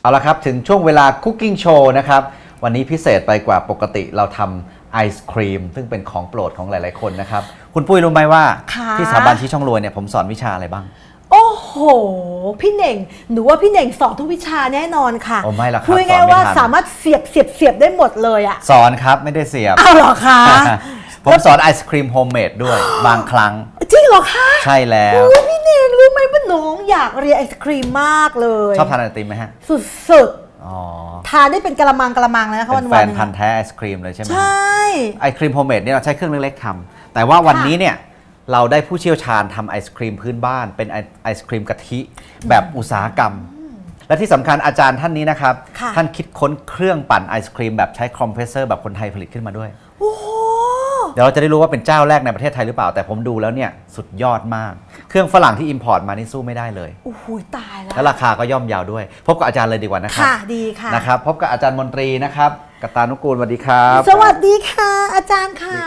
เอาละครับถึงช่วงเวลาคุกกิ้งโชว์นะครับวันนี้พิเศษไปกว่าปกติเราทำไอศครีมซึ่งเป็นของโปรดของหลายๆคนนะครับคุณปุ้ยรู้ไหมว่าที่สถาบันชี้ช่องรวยเนี่ยผมสอนวิชาอะไรบ้างโอ้โหพี่เน่งหนูว่าพี่เน่งสอนทุกวิชาแน่นอนค่ะโอ้ไม่หรอกครับพูดง่ายๆว่าสามารถเสียบได้หมดเลยอะสอนครับไม่ได้เสียบอ้าวเหรอคะผมสอนไอศครีมโฮมเมดด้วยบางครั้งจริงเหรอคะใช่แล้วพี่เน่งรู้ไหมว่าน้องอยากเรียนไอศครีมมากเลยชอบทานไอติมไหมฮะสุดๆทานได้เป็นกะละมังเลยนะคะเป็นแฟวันนพันธุ์แท้ไอศครีมเลยใช่ไหมใช่ไอศครีมโฮมเมดเนี่ยเราใช้เครื่องเล็กๆทำแต่ว่าวันนี้เนี่ยเราได้ผู้เชี่ยวชาญทำไอศครีมพื้นบ้านเป็นไอศครีมกะทิแบบอุตสาหกรรมและที่สำคัญอาจารย์ท่านนี้นะครับท่านคิดค้นเครื่องปั่นไอศครีมแบบใช้คอมเพรสเซอร์แบบคนไทยผลิตขึ้นมาด้วยโอ้โหเดี๋ยวเราจะได้รู้ว่าเป็นเจ้าแรกในประเทศไทยหรือเปล่าแต่ผมดูแล้วเนี่ยสุดยอดมากเครื่องฝรั่งที่อิมพอร์ตมานี่สู้ไม่ได้เลยโอ้โหตายแล้วและราคาก็ย่อมเยาวด้วยพบกับอาจารย์เลยดีกว่านะครับค่ะดีค่ะนะครับพบกับอาจารย์มนตรีนะครับกตานุกูลสวัสดีครับสวัสดีค่ะอาจารย์ค่ะ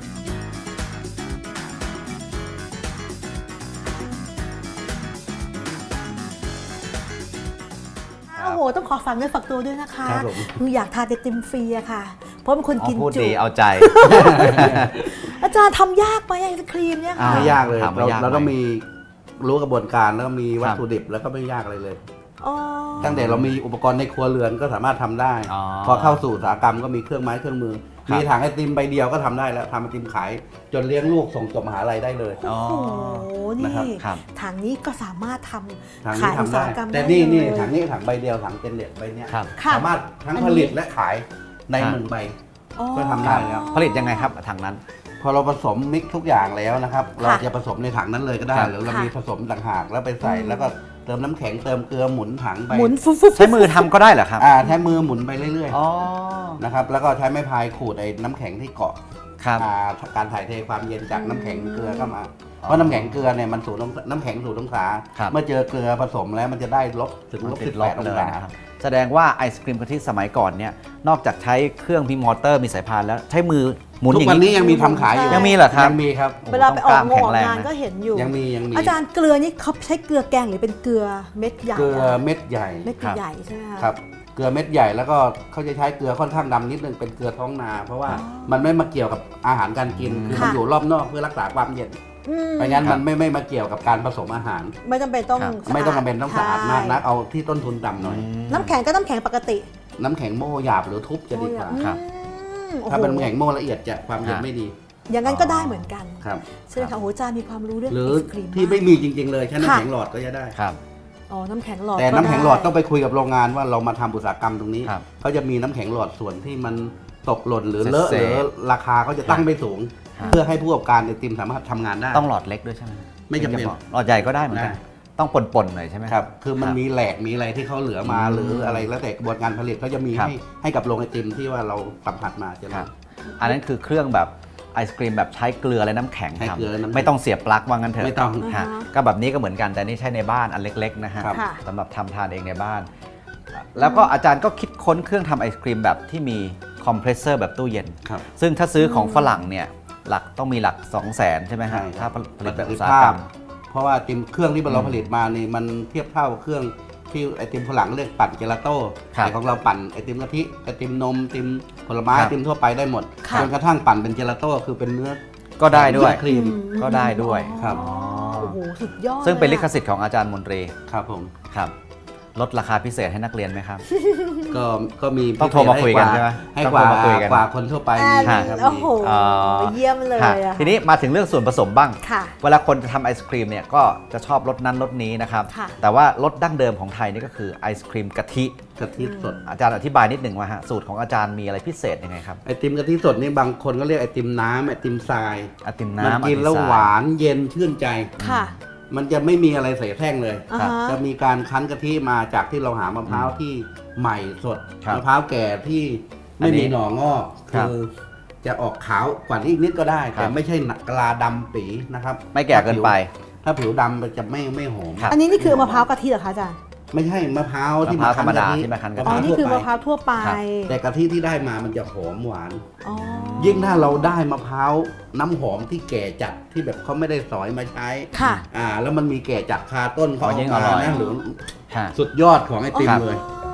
โอ้โหต้องขอฝากเนื้อฝากตัวด้วยนะคะหนูอยากทานไอติมฟรีอะค่ะเพราะเป็นคนกินจุพูดดีเอาใจอาจารย์ทำยากไหมไอศครีมเนี่ยค่ะไม่ยากเลยเราต้องมีรู้กระบวนการแล้วก็มีวัตถุดิบแล้วก็ไม่ยากอะไรเลยตั้งแต่เรามีอุปกรณ์ในครัวเรือนก็สามารถทำได้พอเข้าสู่อุตสาหกรรมก็มีเครื่องไม้เครื่องมือมีถังไอติมใบเดียวก็ทำได้แล้วทำไอติมขายจนเลี้ยงลูกส่งจบมหาลัยได้เลยโอ้โหนี่ถังนี้ก็สามารถทำขายอุตสาหกรรมได้แต่นี่ถังใบเดียวถังเจนเน็ตใบนี้สามารถทั้งผลิตและขายใน1 ใบก็ทำได้แล้วผลิตยังไงครับถังนั้นพอเราผสมมิกทุกอย่างแล้วนะครับเราจะผสมในถังนั้นเลยก็ได้หรือเรามีผสมต่างหากแล้วไปใส่แล้วก็เติมน้ำแข็งเติมเกลือหมุนถังไปหมุนใช้มือทำก็ได้เหรอครับใช้มือหมุนไปเรื่อยๆนะครับแล้วก็ใช้ไม้พายขูดไอ้น้ำแข็งที่เกาะการถ่ายเทความเย็นจากน้ำแข็งเกลือเข้ามาเพราะน้ำแข็งเกลือเนี่ยมันน้ำแข็งสูดองศาเมื่อเจอเกลือผสมแล้วมันจะได้ลบถึง-18 องศาแสดงว่าไอศครีมกะทิสมัยก่อนเนี่ยนอกจากใช้เครื่องมีมอเตอร์มีสายพานแล้วใช้มือหมุนอย่างนี้ทุกวันนี้ยังมีทำขายอยู่ยังมีเหรอครับยังมีครับเวลาไปออกงานก็เห็นอยู่ยังมีอาจารย์เกลือนี่เขาใช้เกลือแกงหรือเป็นเกลือเม็ดใหญ่เกลือเม็ดใหญ่ใหญ่ใช่ไหมคะครับเกลือเม็ดใหญ่แล้วก็เขาจะใช้เกลือค่อนข้างดำนิดนึงเป็นเกลือท้องนาเพราะว่ามันไม่มาเกี่ยวกับอาหารการกินคือมันอยู่รอบนอกเพื่อรักษาความเย็นไม่งั้นมันไม่มาเกี่ยวกับการผสมอาหารไม่จำเป็นต้องสะอาดมากนักเอาที่ต้นทุนต่ำหน่อยน้ำแข็งก็น้ำแข็งปกติน้ำแข็งโม่หยาบหรือทุบจะดีกว่าครับถ้าเป็นน้ำแข็งโม่ละเอียดจะความเย็นไม่ดีอย่างนั้นก็ได้เหมือนกันครับใช่ไหมคะโอ้อาจารย์มีความรู้เรื่องหรือที่ไม่มีจริงๆเลยใช้น้ำแข็งหลอดก็จะได้ครับน้ำแข็งหลอดแต่น้ำแข็งหลอดต้องไปคุยกับโรงงานว่าเรามาทำอุตสาหกรรมตรงนี้เขาจะมีน้ำแข็งหลอดส่วนที่มันตกหล่นหรือเลอะหรือราคาเขาจะตั้งไม่สูงเพื่อให้ผู้ประกอบการไอติมสามารถทำงานได้ต้องหลอดเล็กด้วยใช่ไหมไม่จำเป็นหลอดใหญ่ก็ได้เหมือนกันต้องปนๆหน่อยใช่ไหมครับคือมันมีแหลกมีอะไรที่เขาเหลือมาหรืออะไรแล้วแต่กระบวนการผลิตเขาจะมีให้กับโรงไอติมที่ว่าเราสัมผัสมาจะอันนั้นคือเครื่องแบบไอศครีมแบบใช้เกลือและน้ำแข็งทำไม่ต้องเสียบปลั๊กว่างั้นเถอะไม่ต้องก็แบบนี้ก็เหมือนกันแต่นี่ใช้ในบ้านอันเล็กๆนะฮะสำหรับทำทานเองในบ้านแล้วก็อาจารย์ก็คิดค้นเครื่องทำไอศครีมแบบที่มีคอมเพรสเซอร์แบบตู้เย็นซึ่งถ้าซื้อของฝรั่งเนี่ยหลักต้องมีหลัก 200,000 ใช่ไหมฮะถ้าผลิตแบบอุตสาหกรรมเพราะว่าไอติมเครื่องที่เราผลิตมานี่มันเทียบเท่าเครื่องที่ไอติมฝรั่งเรียกปั่นเจลาโต้แต่ของเราปั่นไอติมกะทิไอติมนมไอติมผลไม้ไอติมทั่วไปได้หมดจนกระทั่งปั่นเป็นเจลาโต้คือเป็นเนื้อก็ได้ด้วยครีมก็ได้ด้วยครับโอ้โหสุดยอดซึ่งเป็นลิขสิทธิ์ของอาจารย์มนตรีครับผมครับลดราคาพิเศษให้นักเรียนไหมครับก็มีต้องโทรมาคุยกันใช่ไหมให้กว่าคนทั่วไปโอ้โหเยี่ยมเลยทีนี้มาถึงเรื่องส่วนผสมบ้างเวลาคนจะทำไอศครีมเนี่ยก็จะชอบรสนั้นรสนี้นะครับแต่ว่ารสดั้งเดิมของไทยนี่ก็คือไอศครีมกะทิสดอาจารย์อธิบายนิดหนึ่งว่าสูตรของอาจารย์มีอะไรพิเศษยังไงครับไอติมกะทิสดนี่บางคนก็เรียกไอติมน้ำไอติมทรายไอติมน้ำมันกินแล้วหวานเย็นชื่นใจค่ะมันจะไม่มีอะไรใส่แท่งเลยจะมีการคั้นกะทิมาจากที่เราหามะพร้าวที่ใหม่สดมะพร้าวแก่ที่ไม่มีหน่องอกคือจะออกขาวกว่านี้อีกนิดก็ได้แต่ไม่ใช่กะลาดำปีนะครับไม่แก่เกินไปถ้าผิวดำมันจะไม่หอมอันนี้นี่คือมะพร้าวกะทิเหรอคะอาจารย์ไม่ใช่มะพร้าวที่ธรรมดาที่มาคั้นกะทินี่คือมะพร้าวทั่วไปแต่กะทิที่ได้มามันจะหอมหวานยิ่งถ้าเราได้มะพร้าวน้ำหอมที่แก่จัดที่แบบเขาไม่ได้สอยมาใช้แล้วมันมีแก่จัดคาต้นเขาออกมานะหรือสุดยอดของไอติมเลย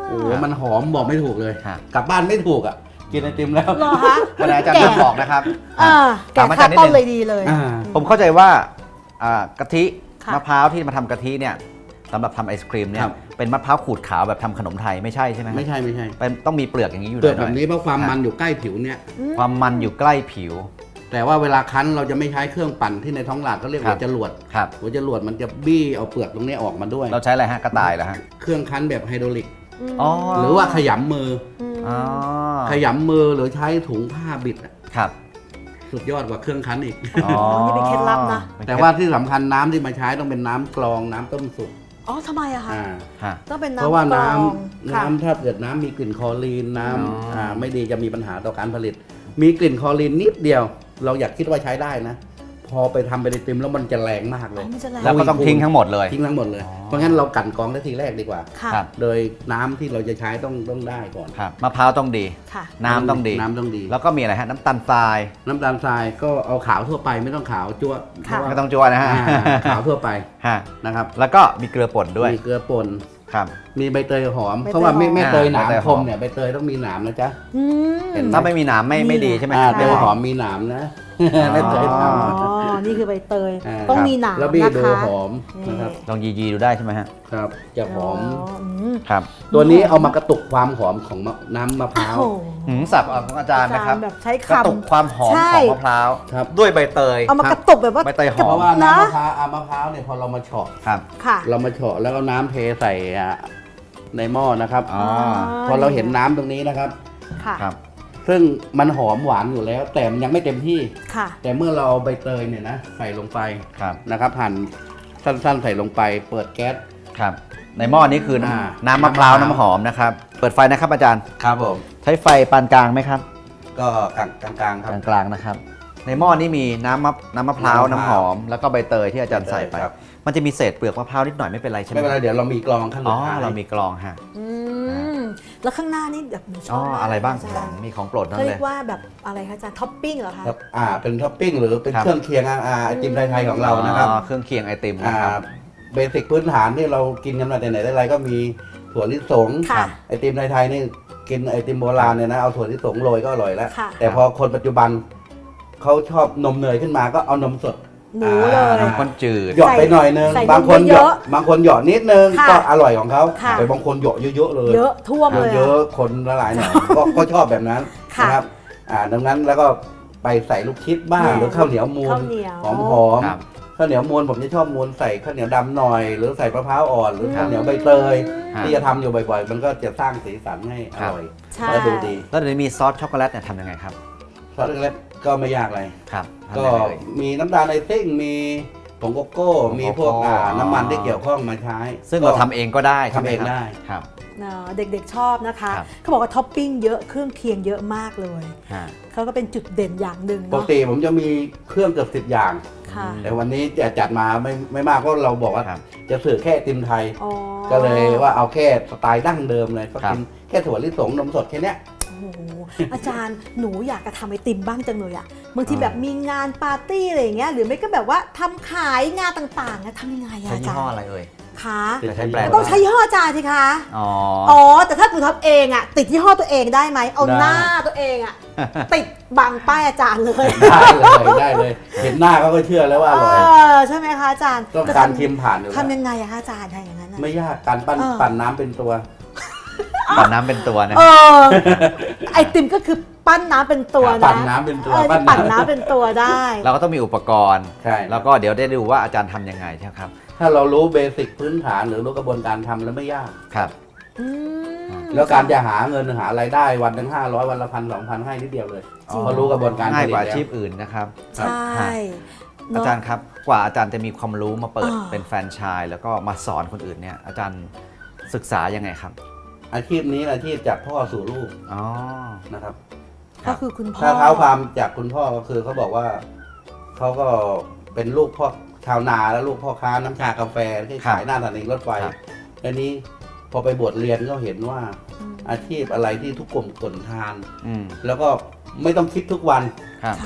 โอ้โหมันหอมบอกไม่ถูกเลยฮะกลับบ้านไม่ถูกอ่ะกินไอติมแล้วเหรอคะวันนี้อาจารย์จะบอกนะครับแกะข้าวต้นเลยดีเลยผมเข้าใจว่ากะทิค่ะมะพร้าวที่มาทำกะทิเนี่ยสำหรับทำไอศครีมเนี่คยรับเป็นมะพร้าวขูดขาวแบบทำขนมไทยไม่ใช่ใช่ไหมไม่ใช่ไม่ใช่เป็นต้องมีเปลือกอย่างนี้อยู่เปลือกหแบน่อยบนี้เพราะความมันอยู่ใกล้ผิวเนี่ยความมันอยู่ใกล้ผิวแต่ว่าเวลาคั้นเราจะไม่ใช้เครื่องปั่นที่ในท้องตลาดเขาเรียกครัหับวจรวดครับหัวจรวดมันจะบี้เอาเปลือกตรงนี้ออกมาด้วยเราใช้อะไรฮะกระต่ายเหรอฮะเครื่องคั้นแบบไฮดรอลิกอ๋อหรือว่าขยำมืออ๋อขยำมือหรือใช้ถุงผ้าบิดอะครับสุดยอดกว่าเครื่องคั้นอีกอ๋อนี่เป็นเคล็ดลับนะแต่ว่าที่สำคัญน้ำที่มาใช้ต้องเป็นน้ำกรองน้ำต้มสุกอ๋อทำไมอะคะอ่าฮะต้องเป็นเพราะว่าน้ำกรน้องค่ะำถ้าเกิดน้ำมีกลิ่นคลอรีนน้อ๋อำไม่ดีจะมีปัญหาต่อการผลิต มีกลิ่นคลอรีนนิดเดียว เราอยากคิดว่าใช้ได้นะ พอไปทำเป็นไอติมแล้วมันจะแรงมากเลยอ๋อมันจะแรงแล้วก็ต้องทิ้งทั้งหมดเลยทิ้งทั้งหมดเลยอ๋อเพราะงั้นเรากลั่นกรองได้ทีแรกดีกว่าค่ะครับโดยน้ำที่เราจะใช้ต้องได้ก่อนครับมะพร้าวต้องดีค่ะน้ำต้องดีน้ำต้องดีแล้วก็มีอะไรฮะน้ำตาลทรายน้ำตาลทรายก็เอาขาวทั่วไปไม่ต้องขาวจั่วค่ะเพราะว่าไม่ต้องจั่วนะฮะขาวทั่วไปฮะนะครับแล้วก็มีเกลือป่นด้วยมีเกลือป่นครับมีใบเตยหอมใบเตยเพราะว่าไม่หอมไม่เตยหนามใบเตยหคอมมเนี่ยใบเตยต้องมีหนามนะจ๊ะอืมเห็นไหมถ้าไม่มีหนามไม่ดีใช่ไหมเตยหอมมีหนามนะ ไม่เตยหนามอ๋อ นี่คือใบเตยอ่าต้องมีหนามแล้วบี้นะดูคะหอมนะครับลองยีดูได้ใช่ไหมฮะครับจะหอมมครับตัวนี้เอามากระตุกความหอมของน้ำมะพร้าวโอ้โหสับของอาจารย์นะครับแบบใช้กระคำตุกความหอมใช่ของมะพร้าวครับด้วยใบเตยเอามากระตุกแบบว่าใบเตยหเพอมราะว่านะน้ำมะพร้าวมะพร้าวเนี่ยพอเรามาเฉาะครับค่ะเรามาเฉาะแล้วเอาน้ำเทใส่ในหม้อนะครับอ๋อพอเราเห็นน้ำตรงนี้นะครับค่ะครับซึ่งมันหอมหวานอยู่แล้ว แต่มันยังไม่เต็มที่ค่ะแต่เมื่อเราเอาใบเตยเนี่ยนะใส่ลงไปครับนะครับหั่นสั้นๆใส่ลงไป เปิดแก๊สครับ ในหม้อนี้คือน้ำมะพร้าวน้ำหอมนะครับ เปิดไฟนะครับอาจารย์ครับผมใช้ไฟปานกลางไหมครับก็กลางๆครับกลางๆนะครับ ในหม้อนี้มีน้ำมะพร้าวน้ำมะพร้าวน้ำหอม แล้วก็ใบเตยที่อาจารย์ใส่ไปครับมันจะมีเศษเปลือกมะพร้าวนิดหน่อยไม่เป็นไรใช่ไหมไม่เป็นไรเดี๋ยวเรามีกรองขั้นอ๋สุอดท้ายเรามีกรองฮะอืม แล้วข้างหน้านี่แบบหนูชอ๋ออบมากอะไรบ้างอาจารย์มีของโปรดนั่นเขาเลเรียยกว่าแบบอะไรคะอาจารย์ท็อปปิ้งเหรอคะครับเป็นท็อปปิ้งหรือเป็นครับเครื่องเคียงไอติมไทยๆของเรานะครับอ๋อเครื่องเคียงไอติมนะครับเบสิกพื้นฐานที่เรากินกันมาแต่ไหนแต่ไรก็มีถั่วลิสงค่ะไอติมไทยๆนี่กินไอติมโบราณเนี่ยนะเอาถั่วลิสงโรยก็อร่อยแล้วค่ะแต่พอคนปัจจุบันเขาชอบนมเนยขึ้นมาก็เอานมสดหนูเลยน้ำข้นจืดหยอดไปหน่อยนึงใส่บางคนนมหเยยอะอดบางคนหยอดนิดนึงค่ะก็อร่อยของเขาค่ะแต่บางคนหยอดเยอะๆเลยเยอะท่วมเลยเยอะอะคนละลายหน่อยก็ชอบแบบนั้นค่ะนะครับดังนั้นแล้วก็ไปใส่ลูกชิดบ้างเนี่ยหรือข้าวเหนียวมูข้าน วเหนียวหอมครับๆข้าวเหนียวมูนผมจะชอบมูนใส่ข้าวเหนียวดำหน่อย หรือใส่มะพร้าวอ่อนหรือข้าวเหนียวใบเตยครับที่จะทำอยู่บ่อยๆ มันก็จะสร้างสีสันให้อร่อยใช่และดูดีแล้วเดี๋ยวนี้มีซอสช็อกโกแลตเนี่ยทำยังไงครับซอสเล็กๆก็ไม่ยากอะไรครับทำก็ยังไงเอ่ยมีน้ำตาลไอซิ่งมีผงโกโก้ มีพวกผงโกโก้น้ำมันที่เกี่ยวข้องมาใช้ซึ่งเราทำเองก็ได้ใช่ไหมทำเองครับได้ครับเด็กๆชอบนะคะครับเขาบอกว่าท็อปปิ้งเยอะเครื่องเคียงเยอะมากเลยฮะเขาก็เป็นจุดเด่นอย่างหนึ่งปกเนาะติผมจะมีเครื่องเกือบ10 อย่างค่ะแต่วันนี้จะจัดมาไม่มากเพราะเราบอกว่าครับจะสื่อแค่ไอติมไทยอ๋อก็เลยว่าเอาแค่สไตล์ดั้งเดิมเลยก็ครับกินแค่ถั่วลิสงนมสดแค่เนี้ยโอ้โหอาจารย์หนูอยากจะทำไอติมบ้างจังเลยอะบางทีแบบมีงานปาร์ตี้อะไรอย่างเงี้ยหรือไม่ก็แบบว่าทำขายงานต่างๆอะทำยังไงอะใช้อายี่จารห้อย์อะไรเอ่ยคะจะใช้แบรนด์ต้องใช้ยี่ห้ออาจารย์สิคะอ๋ออ๋อแต่ถ้าหนูทำเองอะติดยี่ห้อตัวเองได้ไหมเอาหน้าตัวเองอะติดบังป้ายอาจารย์เลยได้เลยเห็นหน้าเขาก็เชื่อแล้วว่าอเอร่อยอใช่ไหมคะอาจารย์ต้องการชิมผ่านอยู่แล้วทำยังไงอะคะอาจารย์ทำอย่างนั้นอะไม่ยากการปั่นน้ำเป็นตัวปั่นน้ำเป็นตัวนะเออไอติมก็คือปั้นน้ำเป็นตัวนะปั่นน้ำเป็นตัวที่ปั่นน้ำเป็นตัวได้เราก็ต้องมีอุปกรณ์ใช่แล้วก็เดี๋ยวได้ดูว่าอาจารย์ทำยังไงใช่ไหมครับถ้าเรารู้เบสิกพื้นฐานหรือรู้กระบวนการทำแล้วไม่ยากครับอืมแล้วการจะหาเงินหารายได้วันหนึ่ง500 วันละ1,000-2,000ให้นิดเดียวเลยจริงพอรู้กระบวนการง่ายกว่าผลิตอาชีพแล้วอื่นนะครับใช่อาเนะจารย์ครับกว่าอาจารย์จะมีความรู้มาเปิดอ่าเป็นแฟรนไชส์แล้วก็มาสอนคนอื่นเนี่ยอาจารย์ศึกษายังไงครับอาชีพนี้อาชีพจากพ่อสู่ลูกอ๋อนะครับก็คือคุณพ่อถ้าเท้าความจากคุณพ่อก็คือเขาบอกว่าเขาก็เป็นลูกพ่อชาวนาและลูกพ่อค้าน้ำชากาแฟที่ขายหน้าสถานีรถไฟครับอันนี้พอไปบวชเรียนก็เห็นว่าอาชีพอะไรที่ทุกกลุ่มคนทานอืมแล้วก็ไม่ต้องคิดทุกวันครับค่ะ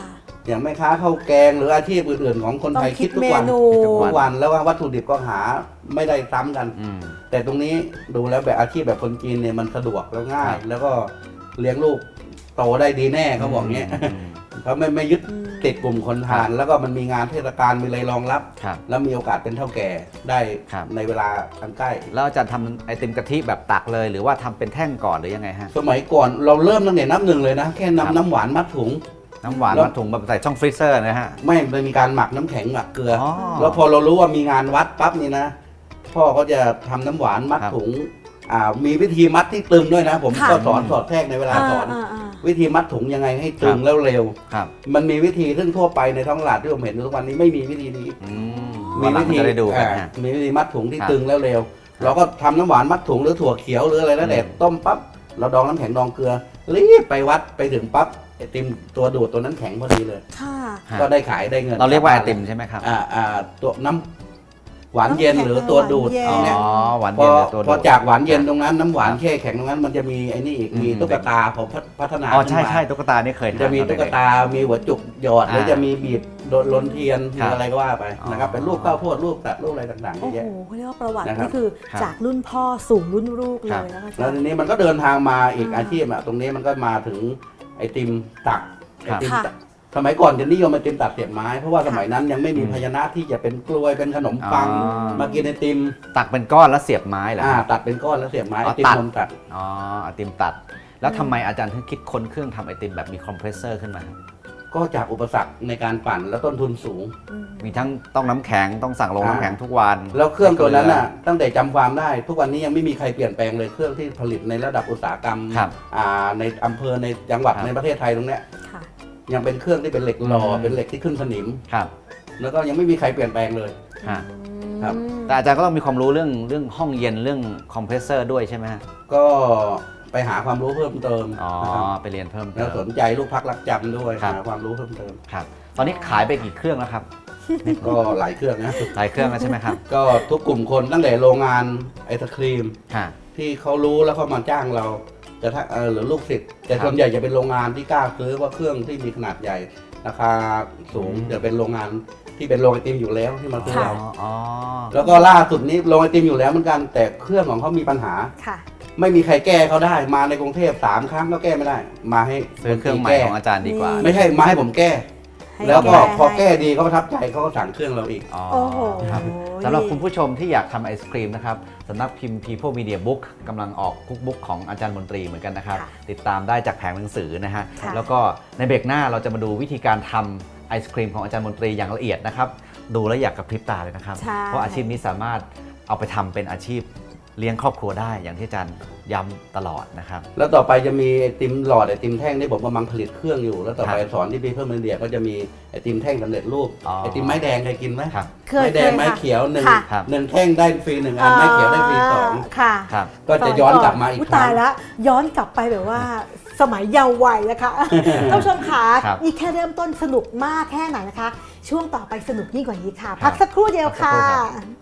อย่างแม่ค้าข้าวแกงหรืออาชีพอื่นๆของคนต้อไทงยคิคิดดทุกเมวันนูทุกวันแล้วว่าวัตถุดิบก็หาไม่ได้ซ้ำกันอืมแต่ตรงนี้ดูแล้วแบบอาชีพแบบคนจีนเนี่ยมันสะดวกแล้วง่ายครับแล้วก็เลี้ยงลูกโตได้ดีแน่เขาบอกเงี้ย เขาไม่ยึดติดกลุ่มคนทาน แล้วก็มันมีงานเทศกาลมีอะไรรองรับครับแล้วมีโอกาสเป็นเท่าแก่ได้ครับในเวลาอันใกล้แล้วอาจารย์ทำไอติมกะทิแบบตักเลย หรือว่าทำเป็นแท่งก่อนหรือยังไงฮะสมัยก่อนเราเริ่มตั้งแต่นับหนึ่งเลยนะ แค่ครับนำน้ำหวานมัดถุงน้ำหวานแล้วมาถุงแบบใส่ช่องฟรีเซอร์นะฮะไม่มีการหมักน้ำแข็งหมักเกลือออแล้วพอเรารู้ว่ามีงานวัดปั๊บนี่นะ พ่อเขาจะทำน้ำหวานมัดครับถุงมีวิธีมัดที่ตึงด้วยนะ ผมค่ะก็สอนสอดแทรกในเวลาสอน วิธีมัดถุงยังไงให้ตึงแล้วเร็วครับมันมีวิธีซึ่งทั่วไปในท้องตลาดที่ผมเห็นทุกวันนี้ไม่มีวิธีนี้อืมมีวันหลัวิงธีจะได้ดูกันฮะมีวิธีมัดถุงที่ครับตึงแล้วเร็ว เราก็ทำน้ำหวานมัดถุงหรือถั่วเขียวหรืออะไรแล้วแต่อืมต้มปั๊บเราดองน้ำแข็งดองเกลือรีบไปวัดไปถึงปั๊บไอติมตัวดูดตัวนั้นแข็งพอดีเลยค่ะฮะก็ได้ขายได้เงินเราเรียกว่าไอติมใช่ไหมครับตัวน้ำหวานเย็นหรือตัวดูดหวานเย็นอ๋อเนี่ยหวานพเย็อนหรือตัวดูดพอจากหวานเย็นตรงนั้นน้ำหวานแช่แข็งตรงนั้นมันจะมีไอ้นี่อีกมีอืมตุ๊กตาผมพัฒนาอ๋อใช่ขึ้นมาใช่ตุ๊กตานี่เคยทานจะมีอนตุ๊กเด็ๆตา มีหัวจุกหยอดหรืออ่าจะมีบีบโดนลนเทียนคมีรับอะไรก็ว่าไปนะครับอ๋อเป็นรูปข้าวโพดรูปสัตว์รูปอะไรต่างๆเยโอ้อะโหแยะเขาเรียกว่าประวัตินะครับนี่คือครับจากรุ่นพ่อสู่รุ่นลูกเลครับยนะคะอาแล้จาว รทีย์นี้มันก็เดินทางมาอีกอ่าอาชีพตรงนี้มันก็มาถึงไอติมตักไอครับติมค่ะตักสมัยก่อนจะนิยมไอติมตักเสียบไม้เพราะว่าสมัยนั้นยังไม่มีอืมภาชนะที่จะเป็นกลวยเป็นขนมปังอ๋อมากินไอติมตักเป็นก้อนแล้วเสียบไม้เหรอครับตัดเป็นก้อนแล้วเสียบไม้อ๋ไออติมตัดนมตัดอ๋อไอติมตัด แล้วทำไมอาจารย์ถึงคิดค้นเครื่องทำไอติมแบบมีคอมเพรสเซอร์ขึ้นมาครับก็จากอุปสรรคในการปั่นและต้นทุนสูงมีทั้งต้องน้ำแข็งต้องสั่งลงอ่าน้ำแข็งทุกวันแล้วเครื่องตัวนั้นน่ะตั้งแต่จำความได้ ทุกวันนี้ยังไม่มีใครเปลี่ยนแปลงเลยเครื่องที่ผลิตในระดับอุตสาหกรรมครับในอำเภอในจังหวัดครับในประเทศไทยตรงเนี้ยค่ะยังเป็นเครื่องที่เป็นเหล็กหล่ออืมเป็นเหล็กที่ขึ้นสนิมครับแล้วก็ยังไม่มีใครเปลี่ยนแปลงเลยฮะครับแต่อาจารย์ก็ต้องมีความรู้เรื่องห้องเย็นเรื่องคอมเพรสเซอร์ด้วยใช่ไหมฮะก็ไปหาความรู้เพิ่มเติมอ๋อนะครับไปเรียนเพิ่มเติแล้วสมนใจลูกพักรักจำด้วยครับหาความรู้เพิ่มเติมครับ ตอนนี้ขายไปกี่เครื่องแล้วครับก็หลายเครื่องนะหลายเครื่องแล้วใช่ไหมครับก็ทุกกลุ่มคนตั้งแต่โรงงานไอศครีมฮะที่เขารู้แล้วเขามาจ้างเราแต่ถ้าหรือลูกศิษย์แต่ครับส่วนใหญ่จะเป็นโรงงานที่กล้าซื้อว่าเครื่องที่มีขนาดใหญ่ ราคาสูงอืมจะเป็นโรงงานที่เป็นโรงไอติมอยู่แล้วที่มาซื้อค่ะเราอ๋อแล้วก็ล่าสุดนี้โรงไอติมอยู่แล้วเหมือนกัน แต่เครื่องของเขามีปัญหาค่ะไม่มีใครแก้เขาได้มาในกรุงเทพ3 ครั้งก็แก้ไม่ได้ มาให้ซื้อเครื่องใหม่แก้ของอาจารย์ดีกว่าไม่ใช่มาให้ผมแก้ให้แล้วก็ก้พอให้แก้ดีเขาประทับใจเขาก็สั่งเครื่องเราอีกอ๋อโอ้โหครับสำหรับคุณผู้ชมที่อยากทำไอศครีมนะครับสำนักพิมพ์ People Media Book กำลังออกคุกบุ๊กของอาจารย์มนตรีเหมือนกันนะครับค่ะติดตามได้จากแผงหนังสือนะฮะค่ะแล้วก็ในเบรกหน้าเราจะมาดูวิธีการทำไอศครีมของอาจารย์มนตรีอย่างละเอียดนะครับ ดูแล้วอยากกระพริบตาเลยนะครับใช่เพราะอาชีพนี้สามารถเอาไปทำเป็นอาชีพเลี้ยงครอบครัวได้อย่างที่อาจารย์ย้ำตลอดนะครับแล้วต่อไปจะมีไอติมหลอดไอติมแท่งที่ผมกำลังผลิตเครื่องอยู่ แล้วต่อไปครับสอนที่People Mediaก็จะมีไอติมแท่งสำเร็จรูปอ๋อไอติมไม้แดงเคยกินไหมครับเคยไม้แดงเคยไม้ค่ะเขียวหนึ่งค่ะครับหนึ่งแท่งได้ฟรี1 อันไม้เขียวได้ฟรี2 ค่ะครับก็จะย้อนกลับมาอีกอุ๊ยครั้ตาง ยแล้วย้อนกลับไปแบบว่าสมัยเยาว์วัยนะคะ ท่านผู้ชมขาครับนี่แค่เริ่มต้นสนุกมากแค่ไหนนะคะ ช่วงต่อไปสนุกยิ่งกว่านี้ค่ะครับพักสักครู่เดียวพักสักค่ะครู่ครับ